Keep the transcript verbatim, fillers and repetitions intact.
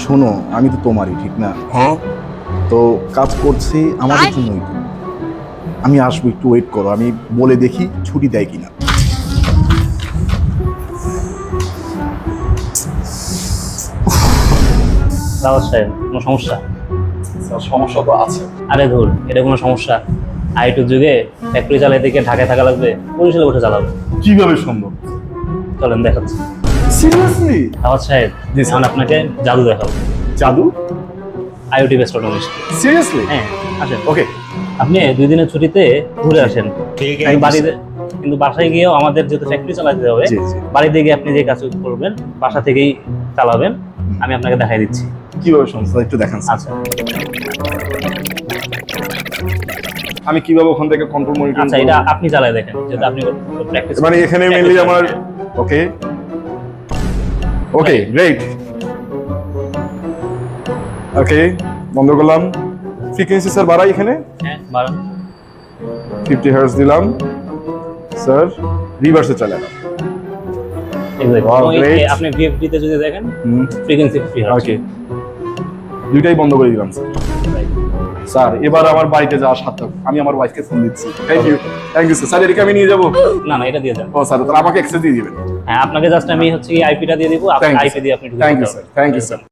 শোনো, আমি তো তোমারই, ঠিক না? হ্যাঁ। তো কাজ করছি আমাদের জন্যই তো। আমি আসবো, একটু ওয়েট করো, আমি বলে দেখি ছুটি দেয় কিনা। রাওয়াত সাহেব, কোনো সমস্যা? সমস্যা তো আছে। আরে ধুর, এটা কোনো সমস্যা? আইটুর যুগে ফ্যাক্টরি চালাইতে গিয়ে ঢাকায় থাকা লাগবে, বরিশালে বসে চালাবে। কিভাবে সম্ভব? চলেন দেখাচ্ছি। সিরিয়াসলি? রাওয়াত সাহেব, জি, স্যার। এখন আপনাকে জাদু দেখাবো। জাদু? IoT best automation. সিরিয়াসলি? হ্যাঁ, আসেন। ওকে। আপনি দুই দিনের ছুটিতে ঘুরে আসেন। ঠিক কিন্তু বাড়িতে কিন্তু বাসায় গিয়েও আমাদের যেহেতু ফ্যাক্টরি চালাতে হবে, জি জি। বাড়িতে গিয়ে আপনি যে কাজ করবেন বাসা থেকেই চালাবেন। আমি আপনাকে দেখাই দিচ্ছি। কিভাবে সমস্যা একটু দেখান স্যার। আচ্ছা আমি কিভাবে ওখান থেকে কন্ট্রোল মনিটর আচ্ছা, এটা আপনি চালায় দেখেন, যেহেতু আপনি প্র্যাকটিস মানে এখানে মেইনলি আমার ওকে ওকে গ্রেট ওকে বন্ধ করলাম। ফ্রিকোয়েন্সি স্যার বাড়াই এখানে হ্যাঁ বাড়ান। ফিফটি হার্টজ দিলাম স্যার, রিভার্সে চলে গেল। Exactly. Wow, ওই great. যে আপনি ভিএফডি তে যদি দেখেন ফ্রিকোয়েন্সি ফ্রি হয়। ওকে, দুইটাই বন্ধ করে দিলাম স্যার। স্যার এবার আমার বাড়িতে যাওয়ার সাথে আমি আমার ওয়াইফকে ফোন দিচ্ছি। Thank you thank you sir. Sir এদিকে আমি নিয়ে যাবো? না না, এটা দিয়ে দেন। ও স্যার, তাহলে আমাকে অ্যাক্সেস দিয়ে দিবেন। হ্যাঁ, আপনাকে জাস্ট আমি হচ্ছে আইপিটা দিয়ে দিব, আপনি থ্যাংক ইউ আইপি দিয়ে আপনি ঢুকে থ্যাংক ইউ যেতে স্যার পারবেন। Thank you sir.